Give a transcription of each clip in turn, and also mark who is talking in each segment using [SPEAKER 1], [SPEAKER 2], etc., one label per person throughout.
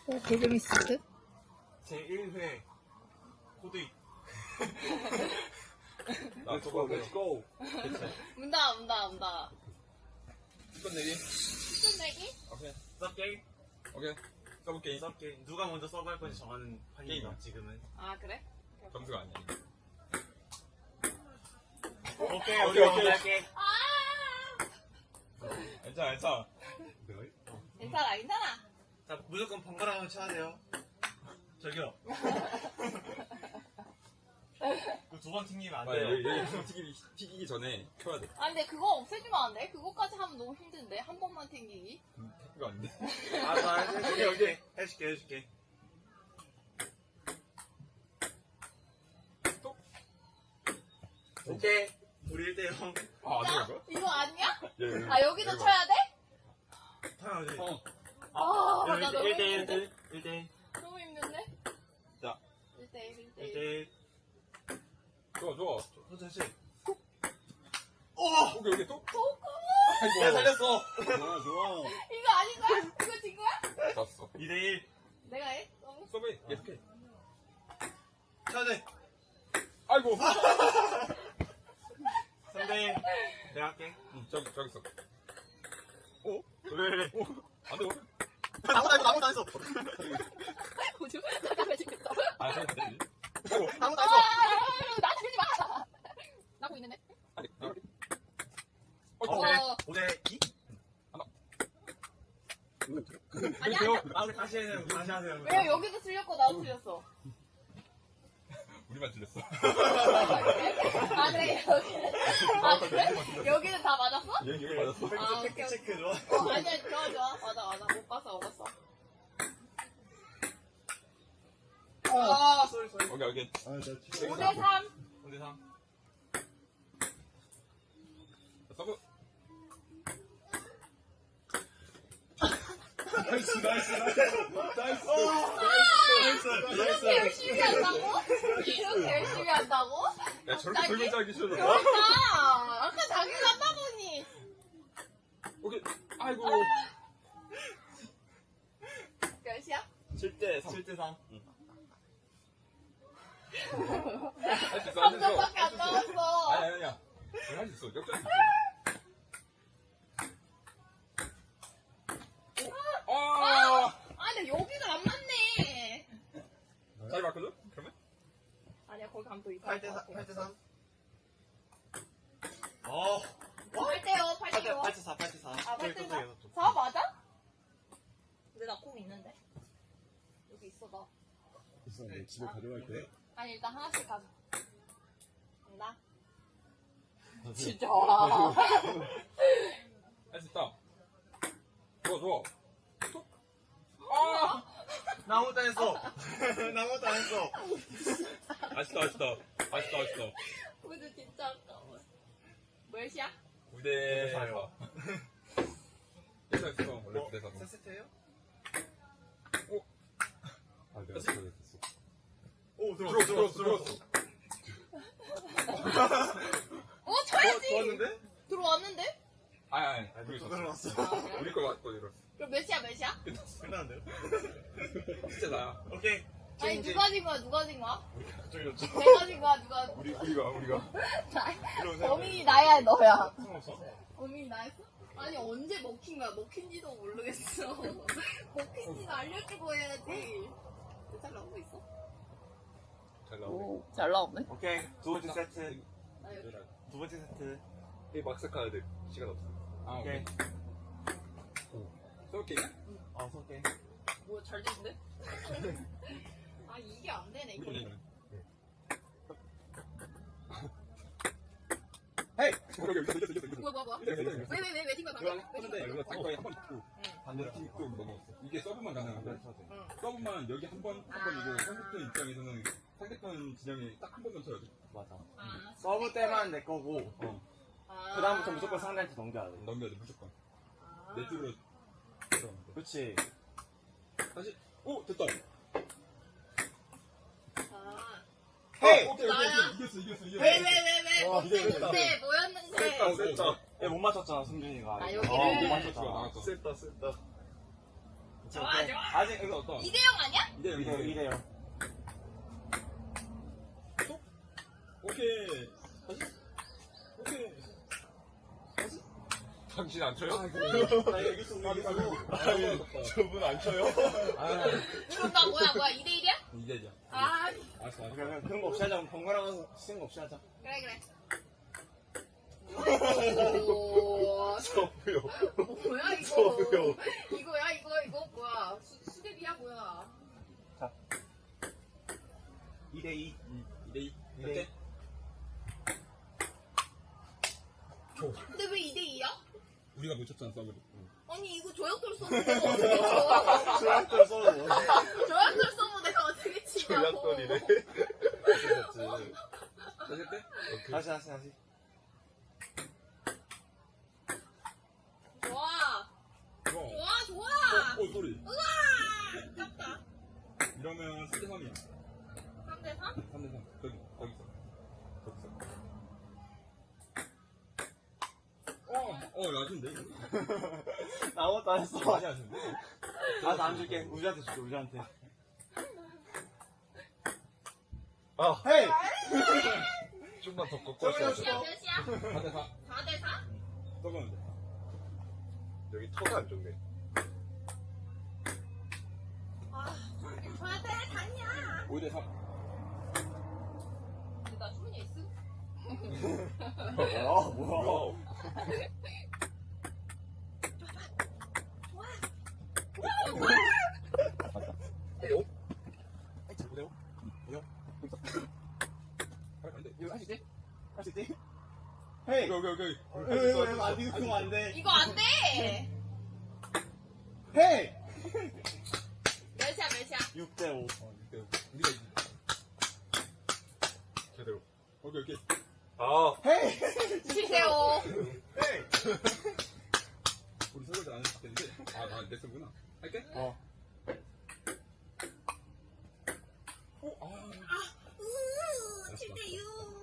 [SPEAKER 1] 개재밌을 듯?
[SPEAKER 2] 제1회 코드잇.
[SPEAKER 3] Let's go.
[SPEAKER 1] 문다.
[SPEAKER 3] 스폰 내기.
[SPEAKER 1] 스푼 내기?
[SPEAKER 3] 오케이.
[SPEAKER 2] 서브게임?
[SPEAKER 3] 오케이. 서브 게임.
[SPEAKER 2] 서브게임. 누가 먼저 서브할 건지 정하는 판이에요,
[SPEAKER 3] 게임이야.
[SPEAKER 2] 지금은.
[SPEAKER 1] 아, 그래?
[SPEAKER 3] 점수가 아니야.
[SPEAKER 2] 오케이, 우리가 먼저 할게.
[SPEAKER 3] 괜찮아.
[SPEAKER 1] 괜찮아.
[SPEAKER 2] 자, 무조건 번갈아 가면서 쳐야 돼요. 저기요. 그 두 번 튕기면 안 돼요.
[SPEAKER 3] 여기 튀기기 전에 켜야 돼.
[SPEAKER 1] 아, 근데 그거 없애주면 안 돼? 그거까지 하면 너무 힘든데? 한 번만 튕기기.
[SPEAKER 3] 그거 안 돼.
[SPEAKER 2] 아, 나 해줄게. 해줄게.
[SPEAKER 3] 또?
[SPEAKER 2] 오케이. 우리 1대0.
[SPEAKER 3] 안 되는 거야?
[SPEAKER 1] 이거 아니야?
[SPEAKER 3] 예.
[SPEAKER 1] 아, 여기도 쳐야 돼?
[SPEAKER 2] 당연하지.
[SPEAKER 1] 나 너무 힘든데?
[SPEAKER 2] 1대1.
[SPEAKER 1] 너무 힘든데?
[SPEAKER 3] 자.
[SPEAKER 1] 1대1.
[SPEAKER 2] 1대1.
[SPEAKER 3] 좋아.
[SPEAKER 2] 천천히.
[SPEAKER 3] 여기 또?
[SPEAKER 2] 야,
[SPEAKER 3] 아이고.
[SPEAKER 2] 살렸어.
[SPEAKER 4] 좋아.
[SPEAKER 1] 이거 아닌 거야? 이거 진 거야?
[SPEAKER 3] 졌어.
[SPEAKER 2] 2대1.
[SPEAKER 1] 내가 해? 너무?
[SPEAKER 3] 서브 계속해.
[SPEAKER 2] 천천히.
[SPEAKER 3] 아이고.
[SPEAKER 2] 3대1. 내가 할게.
[SPEAKER 3] 저기 있어.
[SPEAKER 2] 왜?
[SPEAKER 3] 안 돼.
[SPEAKER 2] 아무도 안 했어.
[SPEAKER 1] 뭐지? 잠깐만 지겠어.
[SPEAKER 3] 아, 저기 되지.
[SPEAKER 2] 아무도
[SPEAKER 1] 아,
[SPEAKER 2] 안 했어.
[SPEAKER 1] 나한테 밀지 마! 나고 있는데?
[SPEAKER 3] 아니.
[SPEAKER 1] 어.
[SPEAKER 2] 5대2?
[SPEAKER 1] 아니야.
[SPEAKER 2] 우리 다시 하세요.
[SPEAKER 1] 왜냐면 여기도 틀렸고 나도 틀렸어.
[SPEAKER 3] 우리만 틀렸어.
[SPEAKER 1] 아, 그래? 그래? 여기는 다 맞았어?
[SPEAKER 3] 여기 맞았어.
[SPEAKER 1] 아,
[SPEAKER 2] 팩트 체크 좋아.
[SPEAKER 1] 아니야, 좋아. 맞아. 못 봤어.
[SPEAKER 2] 아, 쏘리.
[SPEAKER 3] 오케이.
[SPEAKER 1] 5대3.
[SPEAKER 2] 5대3.
[SPEAKER 3] 서브.
[SPEAKER 2] 나이스.
[SPEAKER 1] 이렇게 열심히 한다고?
[SPEAKER 3] 야, 저렇게 설명 짜기 싫어.
[SPEAKER 1] 그러니까 아까 자기가 한다 보니
[SPEAKER 3] 오케이. 아이고.
[SPEAKER 1] 몇이야?
[SPEAKER 3] 7대3.
[SPEAKER 2] 7대3.
[SPEAKER 3] 할 수 있어.
[SPEAKER 1] 3점밖에 안 남았어.
[SPEAKER 3] 아니야. 할 수 있어. 역전.
[SPEAKER 1] 근데 여기가 안 맞네.
[SPEAKER 3] 잘 바꿔줘? 그러면?
[SPEAKER 1] 아니야, 거기 가면 또 이상할 것 같아.
[SPEAKER 2] 8대3.
[SPEAKER 1] 8대요.
[SPEAKER 2] 8대4.
[SPEAKER 1] 아, 8대4? 4 맞아? 근데 나 콩 있는데. 여기 있어, 나.
[SPEAKER 4] 있어, 너 집에 가져갈 거야?
[SPEAKER 1] 아니, 일단 하나씩 가자. 간다. 진짜.
[SPEAKER 3] 할 수 있다. 좋아.
[SPEAKER 2] 나 아무것도 안 했어.
[SPEAKER 3] 아쉽다.
[SPEAKER 1] 근데 진짜 아까워. 몇이야?
[SPEAKER 3] 9대4. 예상 원래 9대4.
[SPEAKER 2] 4세트예요?
[SPEAKER 4] 아, 내가 잘못했어.
[SPEAKER 2] 오,
[SPEAKER 3] 들어왔어.
[SPEAKER 1] 쳐야지!
[SPEAKER 2] 좋았는데?
[SPEAKER 1] 들어왔는데?
[SPEAKER 3] 아니. 우리 졌어.
[SPEAKER 2] 들어왔어.
[SPEAKER 1] 아, 그래?
[SPEAKER 3] 우리 거 맞고 이랬어.
[SPEAKER 1] 그럼 몇이야?
[SPEAKER 2] 끝났는데요?
[SPEAKER 3] 진짜 나야.
[SPEAKER 2] 오케이.
[SPEAKER 1] 아니, 누가 진 거야?
[SPEAKER 2] 그쪽이 졌죠.
[SPEAKER 1] 내가 진 거야? 누가?
[SPEAKER 3] 우리가.
[SPEAKER 1] 범인이 나야, 너야?
[SPEAKER 2] 상관없어.
[SPEAKER 1] 범인이 나였어? 아니, 언제 먹힌 거야? 먹힌지도 모르겠어. 먹힌지도 알려주고 해야지. 잘 나오고 있어?
[SPEAKER 3] 잘 나오네.
[SPEAKER 1] 잘 나오네.
[SPEAKER 2] 오케이. 두 번째 세트.
[SPEAKER 1] 나 여기.
[SPEAKER 2] 두 번째 세트.
[SPEAKER 3] 이 막스 카드 시간 없어.
[SPEAKER 2] 오케이.
[SPEAKER 3] 쏠게.
[SPEAKER 2] 오케이.
[SPEAKER 1] 뭐야, 잘 되는데? 아, 이게 안 되네, 이거.
[SPEAKER 2] 헤이!
[SPEAKER 1] 뭐야. 왜 팀가 방금?
[SPEAKER 3] 이거 당구에 한번 있고 반대로 또 넘어갔어. 이게 서브만 가능한데 서브만 여기 한 번이고 상대편 입장에서는 상대편 진영에 딱 한 번만 쳐야 돼.
[SPEAKER 2] 맞아.
[SPEAKER 1] 아,
[SPEAKER 2] 서브 때만 내 거고, 그 다음부터 무조건 상대한테 넘겨야 돼.
[SPEAKER 3] 넘겨야 돼 무조건.
[SPEAKER 1] 아.
[SPEAKER 3] 내 쪽으로 들어가면 돼.
[SPEAKER 2] 그렇지.
[SPEAKER 3] 다시. 오 됐다.
[SPEAKER 1] 아.
[SPEAKER 2] 헤이!
[SPEAKER 3] 오케이
[SPEAKER 1] 나야?
[SPEAKER 3] 이겼어.
[SPEAKER 1] 왜?
[SPEAKER 2] 와,
[SPEAKER 1] 못했는데, 뭐였는데?
[SPEAKER 3] 됐다.
[SPEAKER 2] 얘 못 맞췄잖아, 승준이가.
[SPEAKER 1] 아, 여기를?
[SPEAKER 2] 못
[SPEAKER 3] 못
[SPEAKER 2] 맞췄잖아.
[SPEAKER 3] 맞췄어.
[SPEAKER 2] 쓸다.
[SPEAKER 1] 좋아, 좋아.
[SPEAKER 2] 아직 이거 어떤?
[SPEAKER 1] 2대0 아니야?
[SPEAKER 2] 이래요.
[SPEAKER 3] 오케이. 오케이.
[SPEAKER 4] 당신 안 쳐요?
[SPEAKER 2] 나 여기 있어.
[SPEAKER 4] 저분 안 쳐요?
[SPEAKER 1] 그럼 나 뭐야 2대1이야?
[SPEAKER 3] 이제죠.
[SPEAKER 1] 아
[SPEAKER 3] 알았어, 알았어.
[SPEAKER 2] 그런 거 없이 하자. 번갈아가서 쓰는 거 없이 하자.
[SPEAKER 1] 그래 오
[SPEAKER 4] 저분요.
[SPEAKER 1] 뭐야 이거
[SPEAKER 4] 저도요.
[SPEAKER 1] 이거야 이거 뭐야 수제비야 뭐야
[SPEAKER 2] 2대2.
[SPEAKER 3] 2대2.
[SPEAKER 2] 이대
[SPEAKER 3] 어때?
[SPEAKER 1] 근데 왜 2대2야?
[SPEAKER 3] 우리가 못 쳤잖아, 서브를.
[SPEAKER 1] 아니 이거 조약돌 써보 내가 어떻게 쳐
[SPEAKER 2] 조약돌 써도
[SPEAKER 1] 조약돌 써보 내가 어떻게 치냐고
[SPEAKER 4] 조약돌이래.
[SPEAKER 3] 다시 때?
[SPEAKER 2] 다시.
[SPEAKER 1] 좋아
[SPEAKER 3] 좋아. 소리.
[SPEAKER 1] 우와 아깝다
[SPEAKER 3] 이러면 3대3이야.
[SPEAKER 1] 3대3?
[SPEAKER 3] 3대3. 거기서. 야신데?
[SPEAKER 2] 나 아무것도 안 했어.
[SPEAKER 3] 많이 하신데?
[SPEAKER 2] 나도 안 줄게. 우주한테 줄게, 우주한테.
[SPEAKER 4] 아,
[SPEAKER 2] 헤이!
[SPEAKER 4] 좀만 더 꺾고 왔어야
[SPEAKER 1] 몇 시야?
[SPEAKER 3] 4대4.
[SPEAKER 1] 4대4?
[SPEAKER 3] 서브는 돼.
[SPEAKER 4] 여기 터가 안 좋네.
[SPEAKER 1] 아 줘야 돼 다냐
[SPEAKER 3] 5대3.
[SPEAKER 1] 나 주문이 있어?
[SPEAKER 2] 뭐야.
[SPEAKER 3] 이거 할 수 있지?
[SPEAKER 2] 할 수 있지? 헤이!
[SPEAKER 3] 오케이.
[SPEAKER 2] 이거 안 돼, 그거 안 돼.
[SPEAKER 1] 이거 안 돼!
[SPEAKER 2] 헤이!
[SPEAKER 1] 몇이야?
[SPEAKER 2] 6대5.
[SPEAKER 3] 6대5. 우리가 이기지.
[SPEAKER 4] 제대로.
[SPEAKER 3] 오케이.
[SPEAKER 4] 아,
[SPEAKER 2] 헤이!
[SPEAKER 1] 7대5.
[SPEAKER 2] 헤이!
[SPEAKER 3] 우리 설거지 안 했을 텐데. 내 서브구나. 할게?
[SPEAKER 2] 어.
[SPEAKER 3] 오,
[SPEAKER 1] 7대6.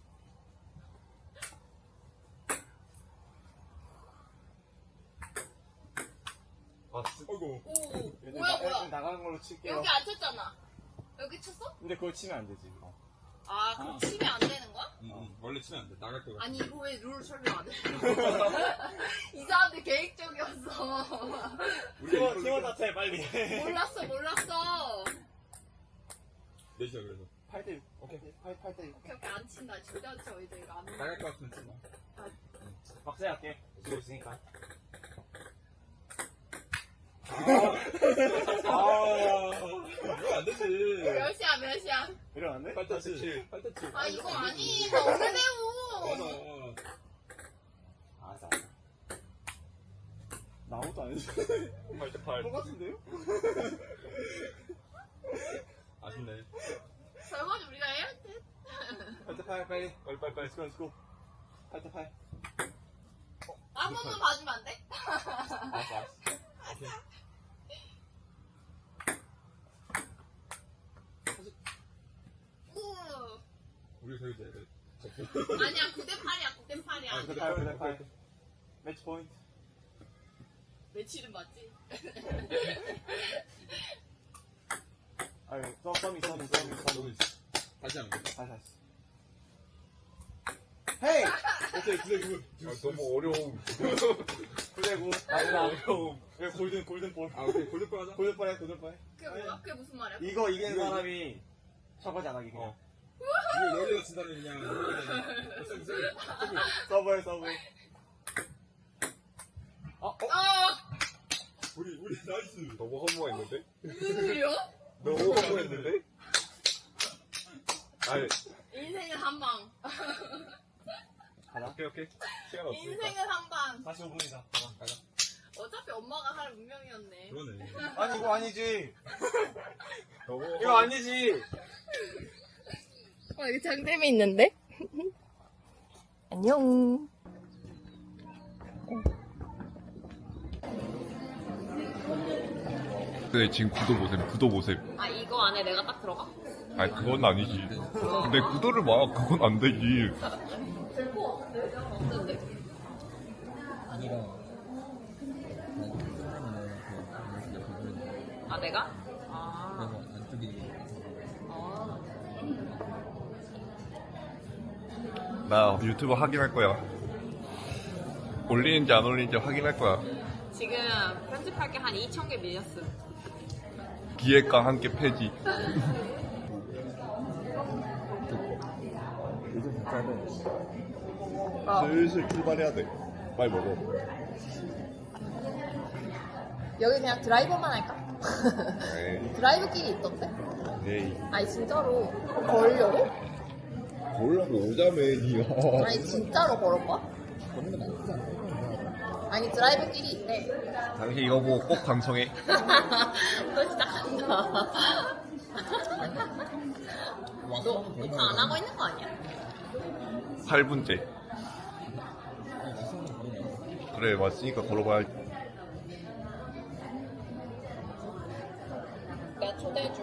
[SPEAKER 3] 어이구.
[SPEAKER 1] 오,
[SPEAKER 2] 일단
[SPEAKER 1] 뭐야.
[SPEAKER 2] 나가는 걸로 칠게요.
[SPEAKER 1] 여기 안 쳤잖아. 여기 쳤어?
[SPEAKER 2] 근데 그걸 치면 안 되지.
[SPEAKER 1] 아, 그럼 치면 안 되는 거야?
[SPEAKER 3] 원래 치면 안 돼. 나갈 거야.
[SPEAKER 1] 아니, 이거 왜 룰 설명 안 해? 이 사람들 계획적이었어.
[SPEAKER 2] 팀원 자체 빨리.
[SPEAKER 1] 몰랐어.
[SPEAKER 3] 넷이야, 그래서.
[SPEAKER 2] 8대6. 오케이. 8대6.
[SPEAKER 1] 오케이, 안 친다. 절대 안 쳐. 이제 이거 안 해.
[SPEAKER 3] 나갈 것 같으면 치마.
[SPEAKER 2] 박세 할게. 쓰고 있으니까.
[SPEAKER 3] 이거 안 되지.
[SPEAKER 1] 몇이야?
[SPEAKER 2] 이러면 안 돼?
[SPEAKER 3] 8대7. 8대7.
[SPEAKER 1] 아, 이거 아니. 나 오래 배우.
[SPEAKER 3] 맞아.
[SPEAKER 2] 알았어. 나 아무것도 안 했어.
[SPEAKER 4] 8대8.
[SPEAKER 2] 똑같은데요?
[SPEAKER 3] 아쉽네.
[SPEAKER 1] 설거지 우리가 해야 돼.
[SPEAKER 2] 8대8 빨리.
[SPEAKER 4] 빨리.
[SPEAKER 2] Let's go. 8대8.
[SPEAKER 1] 한 번만 봐주면 안 돼?
[SPEAKER 2] 알았어.
[SPEAKER 1] 우.
[SPEAKER 3] 우리 설거지 해야 돼.
[SPEAKER 1] 아니야, 9대8이야, 9대8이야.
[SPEAKER 2] 9대8. 매치 포인트.
[SPEAKER 1] 며칠은 맞지?
[SPEAKER 2] 아유, 서미.
[SPEAKER 3] 다시 하는 거.
[SPEAKER 2] 다시. 헤이!
[SPEAKER 3] 오케이, 9대9.
[SPEAKER 4] 너무 어려움.
[SPEAKER 2] 9대9.
[SPEAKER 4] 어려움.
[SPEAKER 2] 이거 골든볼.
[SPEAKER 3] 오케이. 골드볼 하자.
[SPEAKER 2] 골든볼 해.
[SPEAKER 1] 그게 뭐야? 그게 무슨 말이야?
[SPEAKER 2] 이거 이기는 사람이 설거지 안 하기 그냥.
[SPEAKER 3] 이거 여기가 진다면 그냥.
[SPEAKER 2] 서브해.
[SPEAKER 3] 우리 나이스.
[SPEAKER 4] 너무 허무했는데?
[SPEAKER 1] 무슨 소리야?
[SPEAKER 4] 너무 허무했는데? 아니,
[SPEAKER 1] 인생은 한 방.
[SPEAKER 2] 가자.
[SPEAKER 4] 오케이. 시간 없으니까.
[SPEAKER 1] 인생은 한 방.
[SPEAKER 2] 45분이다.
[SPEAKER 3] 가자.
[SPEAKER 1] 어차피 엄마가 할 운명이었네.
[SPEAKER 3] 그러네.
[SPEAKER 2] 아니, 이거 아니지.
[SPEAKER 4] 너무
[SPEAKER 2] 이거 아니지.
[SPEAKER 1] 여기 장점이 있는데? 안녕.
[SPEAKER 5] 네, 지금 구도 보셈.
[SPEAKER 1] 아, 이거 안에 내가 딱 들어가?
[SPEAKER 5] 아니, 그건 아니지. 근데 구도를 봐. 그건 안 되지.
[SPEAKER 1] 없는데?
[SPEAKER 6] 아니라 사람은 그 아 내가? 아.
[SPEAKER 3] 안쪽이
[SPEAKER 5] 나 유튜브 확인할 거야. 올리는지 안 올리는지 확인할 거야.
[SPEAKER 6] 지금 편집할 게 한 2,000개 밀렸음.
[SPEAKER 5] 기획과 함께 폐지.
[SPEAKER 4] 요즘 진짜는
[SPEAKER 5] 슬슬 출발해야 돼. 빨리 먹어.
[SPEAKER 1] 여기 그냥 드라이버만 할까?
[SPEAKER 5] 에이,
[SPEAKER 1] 드라이브 길이 있던데?
[SPEAKER 5] 에이.
[SPEAKER 1] 아니 진짜로 걸려고?
[SPEAKER 5] 걸라고 오자며, 니가.
[SPEAKER 1] 아니 진짜로 걸을 거야? 아니 드라이브 길이 있대.
[SPEAKER 5] 당신 이거 보고 꼭 방송해.
[SPEAKER 1] 또 시작한다. 너 녹화 안 하고 있는 거 아니야?
[SPEAKER 5] 8분째. 그래, 왔으니까 걸어봐야지.
[SPEAKER 1] 내가 초대해줘.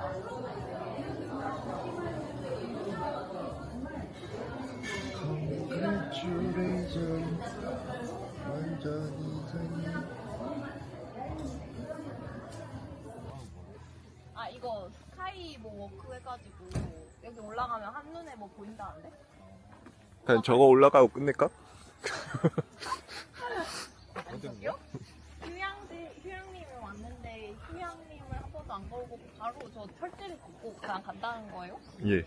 [SPEAKER 1] 아 이거 스카이 뭐 워크 해가지고 여기 올라가면 한눈에 뭐 보인다는데?
[SPEAKER 5] 그냥 저거 올라가고 끝낼까?
[SPEAKER 1] 저기요? 휴양님이 왔는데 휴양님을 한 번도 안 걸고 바로 저 철제를 걷고 그냥 간다는 거예요?
[SPEAKER 5] 예.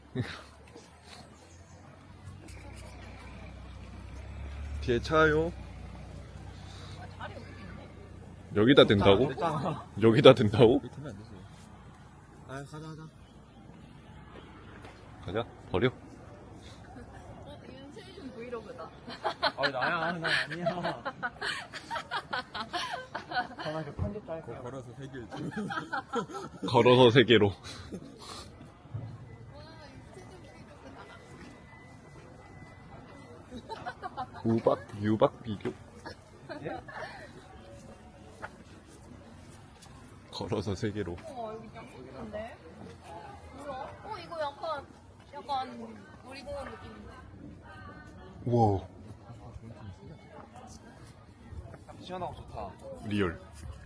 [SPEAKER 5] 뒤에 차요.
[SPEAKER 1] 아, 자리 여기 있네.
[SPEAKER 5] 여기다 댄다고?
[SPEAKER 2] 됐잖아.
[SPEAKER 5] 여기다 댄다고?
[SPEAKER 3] 되면 안 되지.
[SPEAKER 2] 아, 가자.
[SPEAKER 5] 가자, 버려.
[SPEAKER 1] 윤세준 브이로그다.
[SPEAKER 2] 아, 나야. 나 아니야. 전화 그 편집자 할 거야.
[SPEAKER 3] 걸어서 세계
[SPEAKER 5] 걸어서 세계로. 유박 비교. 걸어서 세계로.
[SPEAKER 1] 여기 짱 예쁜데? 뭐야? 이거 약간 놀이공원 느낌인데?
[SPEAKER 5] 우와,
[SPEAKER 2] 시원하고 좋다.
[SPEAKER 5] 리얼.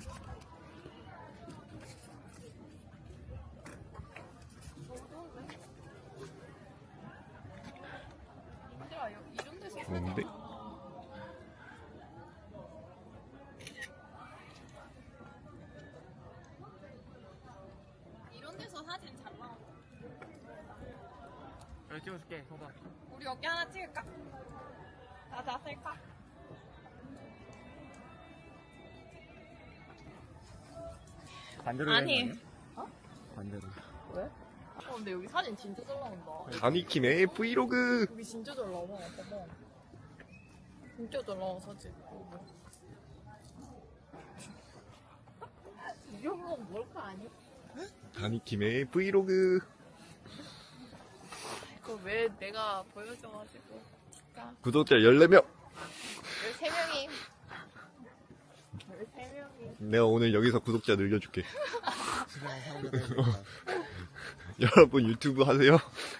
[SPEAKER 1] 얘들아, 이런 데서
[SPEAKER 5] 좋은데?
[SPEAKER 1] 이런 데서 사진 잘 나와.
[SPEAKER 2] 여기 찍어줄게, 소다.
[SPEAKER 1] 우리 여기 하나 찍을까? 나 셀까?
[SPEAKER 2] 반대로
[SPEAKER 1] 아니.
[SPEAKER 2] 되는 거 아니야? 반대로.
[SPEAKER 1] 왜? 근데 여기 사진 진짜 잘 나온다.
[SPEAKER 5] 다니킴의 브이로그.
[SPEAKER 1] 여기 진짜 잘 나와. 봐봐. 진짜 잘 나와, 사진. 이런 건 뭘까 아니야?
[SPEAKER 5] 다니킴의 브이로그.
[SPEAKER 1] 그거 왜 내가 보여줘가지고. 진짜.
[SPEAKER 5] 구독자 14명.
[SPEAKER 1] 13명이. 13명이.
[SPEAKER 5] 내가 오늘 여기서 구독자 늘려줄게. 여러분 유튜브 하세요?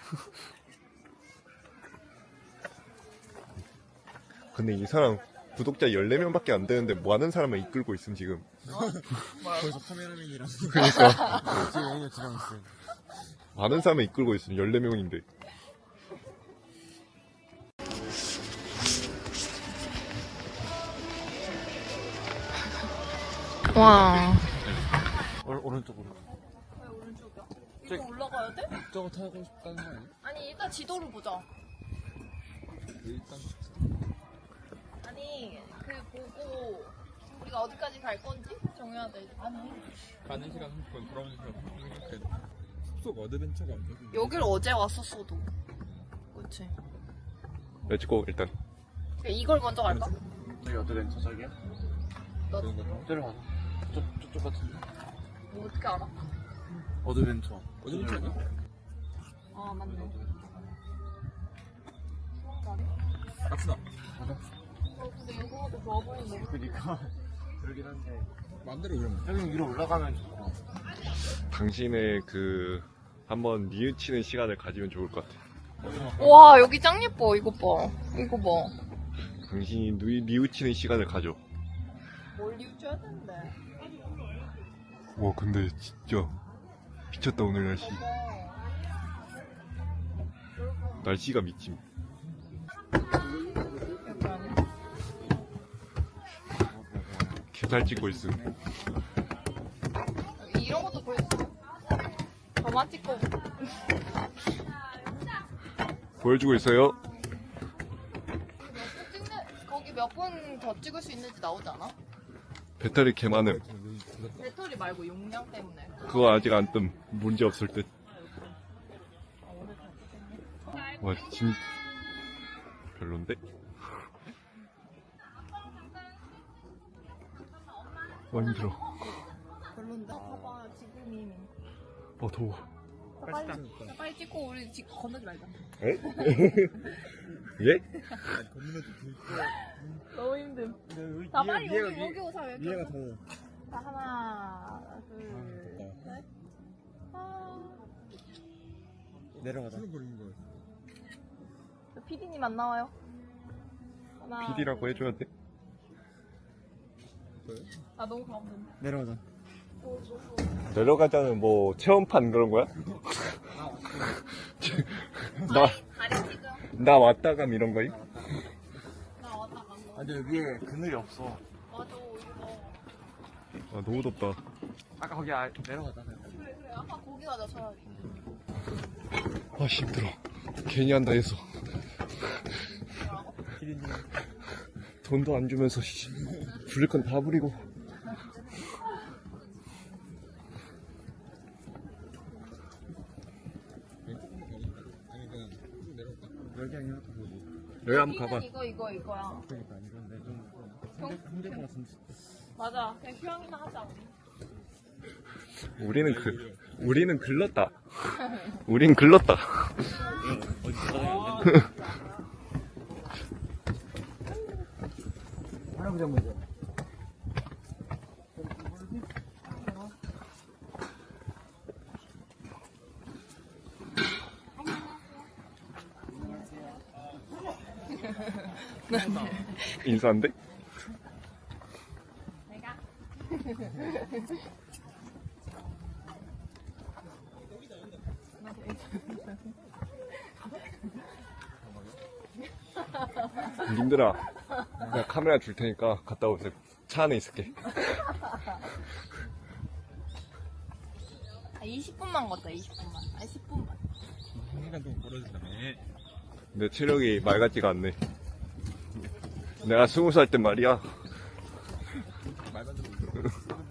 [SPEAKER 5] 근데 이 사람 구독자 14명밖에 안 되는데 뭐 하는 사람을 이끌고 있음 지금.
[SPEAKER 3] 거기서 카메라맨이랑
[SPEAKER 5] 그러니까
[SPEAKER 3] 지금 여기가 지방 있어.
[SPEAKER 5] 많은 사람을 이끌고 있음 14명인데.
[SPEAKER 1] 와.
[SPEAKER 2] 오른쪽으로.
[SPEAKER 1] 왜 오른쪽이야? 이거 올라가야 돼?
[SPEAKER 3] 저거 타고 싶다는 거 아니야?
[SPEAKER 1] 아니 일단 지도를 보자.
[SPEAKER 3] 일단
[SPEAKER 1] 아니 그 보고 우리가 어디까지 갈 건지 정해야 돼. 아니
[SPEAKER 3] 가는 시간 30분, 돌아오는 시간 30분 생각해. 숲속 어드벤처가 안 되지.
[SPEAKER 1] 여길 어제 왔었어도. 그렇지.
[SPEAKER 5] 렛츠고 일단.
[SPEAKER 1] 이걸 먼저 갈까?
[SPEAKER 2] 저기 어드벤처 저기야?
[SPEAKER 3] 그런 거.
[SPEAKER 2] 저기로 가자. 저쪽 같은데?
[SPEAKER 1] 뭐 어떻게 알아?
[SPEAKER 2] 어드벤처.
[SPEAKER 3] 어드벤처 아니야?
[SPEAKER 1] 아 맞네.
[SPEAKER 3] 갑시다.
[SPEAKER 1] 근데 이거도 좋아 보이네.
[SPEAKER 2] 그니까. 그러긴 한데.
[SPEAKER 3] 마음대로 그러면.
[SPEAKER 2] 여기 위로 올라가면 좋고.
[SPEAKER 5] 당신의 그 한번 뉘우치는 시간을 가지면 좋을 것 같아.
[SPEAKER 1] 와 여기 짱 예뻐. 이거 봐. 이거 봐.
[SPEAKER 5] 당신이 뉘우치는 시간을 가져.
[SPEAKER 1] 뭘 뉘우쳐야 되는데?
[SPEAKER 5] 와 근데 진짜 미쳤다 오늘 날씨. 날씨가 미침. 개잘 찍고 있음.
[SPEAKER 6] 이런 것도 보여줘. 저만 찍고.
[SPEAKER 5] 보여주고 있어요.
[SPEAKER 6] 거기 몇 분 더 찍을 수 있는지 나오지 않아?
[SPEAKER 5] 배터리 개 많음.
[SPEAKER 6] 배터리 말고 용량 때문에.
[SPEAKER 5] 그거 아직 안 뜸. 문제 없을 듯. 와 진 별론데? 와 힘들어.
[SPEAKER 6] 별론데? 봐봐 지금이.
[SPEAKER 5] 더워.
[SPEAKER 6] 빨리 찍고 우리 건너지 말자.
[SPEAKER 5] 예?
[SPEAKER 6] 너무 힘듦. 자 빨리 여기 오자 여기.
[SPEAKER 2] 얘가 더워.
[SPEAKER 6] 자 하나 둘 셋.
[SPEAKER 2] 내려가자.
[SPEAKER 6] PD님 안 나와요? 하나.
[SPEAKER 5] PD라고 해줘야 돼?
[SPEAKER 6] 아 너무 가운데.
[SPEAKER 2] 내려가자.
[SPEAKER 5] 내려가자는 뭐 체험판 그런 거야?
[SPEAKER 6] 다리 찍어.
[SPEAKER 5] 나 왔다감 이런 거임?
[SPEAKER 6] 나 왔다 간 거.
[SPEAKER 2] 근데 위에 그늘이 없어.
[SPEAKER 6] 맞아 이거.
[SPEAKER 5] 아 너무 덥다.
[SPEAKER 2] 아까 거기 내려가자.
[SPEAKER 6] 그래 아까 거기 가자 차라리.
[SPEAKER 5] 아 힘들어. 괜히 한다 해서.
[SPEAKER 2] 기린님.
[SPEAKER 5] 돈도 안 주면서 부릴 건 다 부리고.
[SPEAKER 2] 여기 아니야?
[SPEAKER 5] 여기 한번 가봐.
[SPEAKER 6] 이거야.
[SPEAKER 2] 그러니까 이건데 좀 힘들 것 같은데.
[SPEAKER 6] 맞아. 그냥 휴양이나 하자 우리.
[SPEAKER 5] 우리는 글렀다. 우린 글렀다.
[SPEAKER 2] 할아버지 한번 줘.
[SPEAKER 5] 인사한데?
[SPEAKER 6] 내가.
[SPEAKER 5] 님들아, 내가 카메라 줄 테니까 갔다 오세요. 차 안에 있을게.
[SPEAKER 6] 20분만 걷자 20분만. 아니 10분만.
[SPEAKER 3] 1시간 동안 걸어준다며.
[SPEAKER 5] 내 체력이 말 같지가 않네. 내가 20살 때 말이야.
[SPEAKER 3] 말만 듣고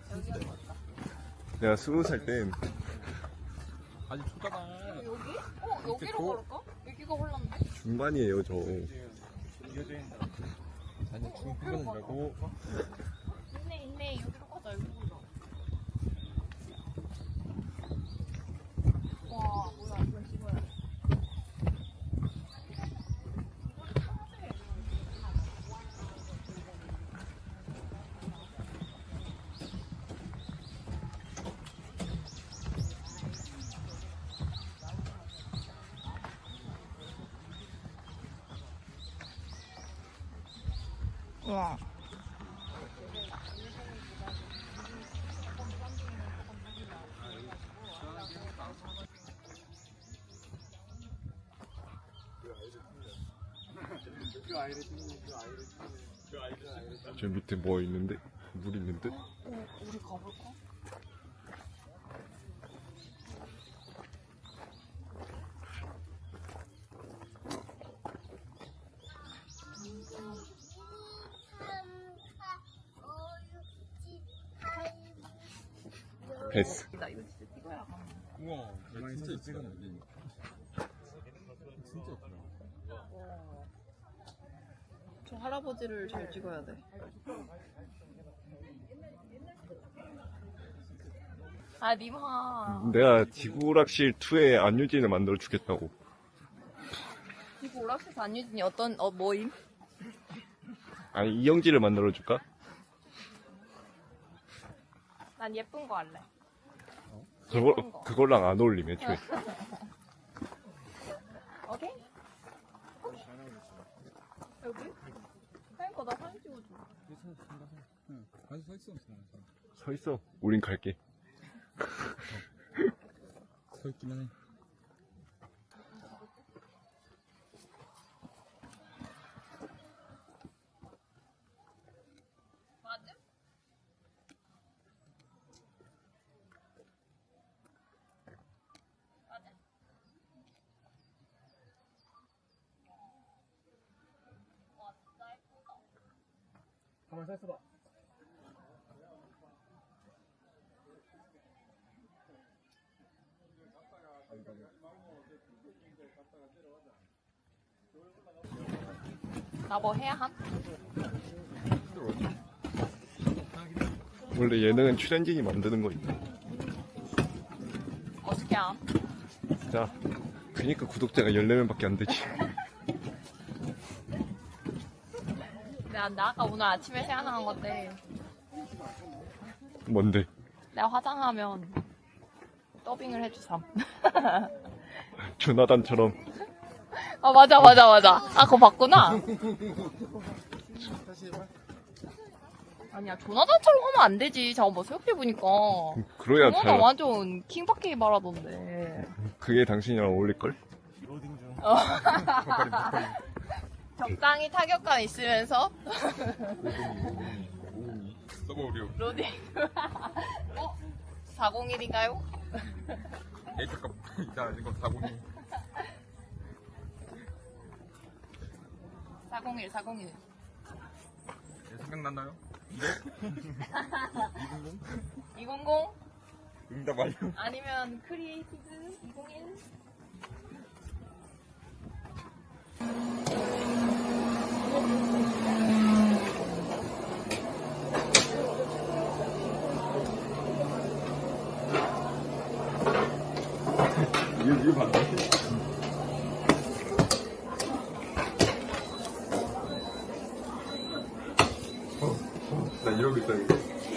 [SPEAKER 5] 내가 20살 땐
[SPEAKER 3] 아직 초다가.
[SPEAKER 6] 여기? 여기로 걸을까? 여기가 홀란데?
[SPEAKER 5] 중반이에요, 저.
[SPEAKER 3] 이어져 있는 사람. 아니 죽은 핑계는 말고.
[SPEAKER 6] 있네 여기로 가자 여기로 가자. 와 뭐야 이거 찍어야 돼. 와.
[SPEAKER 5] 저 밑에 뭐 있는데? 물 있는 듯?
[SPEAKER 6] 우리 가볼까?
[SPEAKER 5] 패스.
[SPEAKER 6] 나 이거 진짜 찍어야 가.
[SPEAKER 3] 우와, 진짜 이쁘다. 진짜 예쁘다.
[SPEAKER 6] 저 할아버지를 잘 찍어야 돼. 아, 님하.
[SPEAKER 5] 내가 지구오락실 2의 안유진을 만들어 주겠다고.
[SPEAKER 6] 이거 오락실에서 안유진이 뭐임?
[SPEAKER 5] 아니, 이영지를 만들어 줄까?
[SPEAKER 6] 난 예쁜 거 할래.
[SPEAKER 5] 그걸랑 안 어울리면 애초에.
[SPEAKER 6] 오케이? 여기? 그러니까 나 사진 찍어줘.
[SPEAKER 3] 응, 가서 서 있어.
[SPEAKER 5] 서 있어. 우린 갈게.
[SPEAKER 3] 서 있기만 해.
[SPEAKER 6] 맞아? 맞아? 와, 진짜 예쁘다.
[SPEAKER 2] 가만 서 있어봐.
[SPEAKER 6] 나 뭐 해야 함?
[SPEAKER 5] 원래 예능은 출연진이 만드는 거 있나?
[SPEAKER 6] 어떻게 함?
[SPEAKER 5] 자, 그니까 구독자가 14명밖에 안 되지.
[SPEAKER 6] 나 아까 오늘 아침에 생각난 건데
[SPEAKER 5] 뭔데?
[SPEAKER 6] 내가 화장하면 더빙을 해주삼.
[SPEAKER 5] 조나단처럼.
[SPEAKER 6] 아 맞아. 아 그거 봤구나. 아니야 조나단처럼 하면 안 되지. 잠깐 뭐 생각해보니까
[SPEAKER 5] 그래야
[SPEAKER 6] 조나단
[SPEAKER 5] 잘.
[SPEAKER 6] 완전 킹받게 말하던데.
[SPEAKER 5] 그게 당신이랑 어울릴걸?
[SPEAKER 2] 로딩 중.
[SPEAKER 6] 적당히 타격감 있으면서
[SPEAKER 3] 서버우려.
[SPEAKER 6] 로딩. 401인가요?
[SPEAKER 3] 에이 잠깐 이따 이거 401.
[SPEAKER 6] 401.
[SPEAKER 3] 생각났나요?
[SPEAKER 6] 200?
[SPEAKER 3] 응답 완료.
[SPEAKER 6] 아니면 크리에이티브 201?
[SPEAKER 3] 이거 봤나? 나 이러고 있다 이거.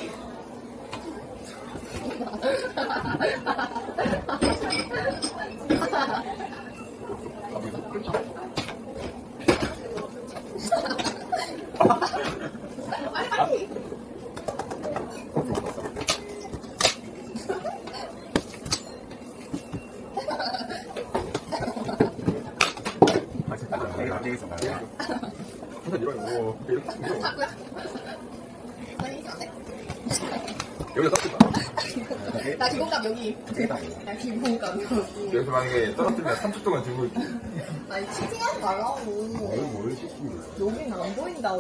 [SPEAKER 3] 여기다 떴다.
[SPEAKER 1] 나 기본값 여기. 나 기본값 여기.
[SPEAKER 3] 여기서 만약에 떨어뜨리면 30초 동안 들고 있기.
[SPEAKER 1] 아니 치팅하지 말라고.
[SPEAKER 4] 뭘 시키는 거야?
[SPEAKER 1] 여긴 안 보인다고.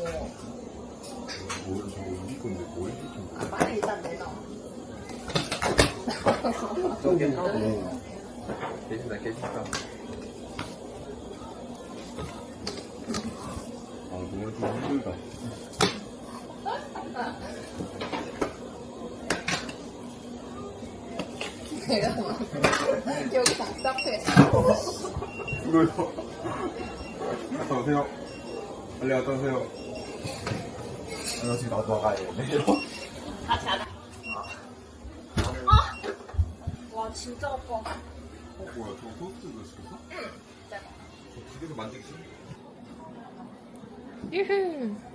[SPEAKER 4] 뭘 저거 우리 건데 뭘 시키는 거야?
[SPEAKER 1] 아, 빨리 일단 내놔.
[SPEAKER 4] 저게 하고
[SPEAKER 3] 계신다.
[SPEAKER 4] 아 너무 좀 힘들다.
[SPEAKER 1] 내가 막 여기 답답해.
[SPEAKER 3] 이거요. 갔다 오세요. 빨리 갔다 오세요.
[SPEAKER 4] 나 지금 나도 나가야 돼.
[SPEAKER 6] 같이 하자. 와 진짜 아파.
[SPEAKER 3] 뭐야, 저거 토스트도 시켰어?
[SPEAKER 6] 응.
[SPEAKER 3] 집에서 만들기 싫어?
[SPEAKER 6] 유후.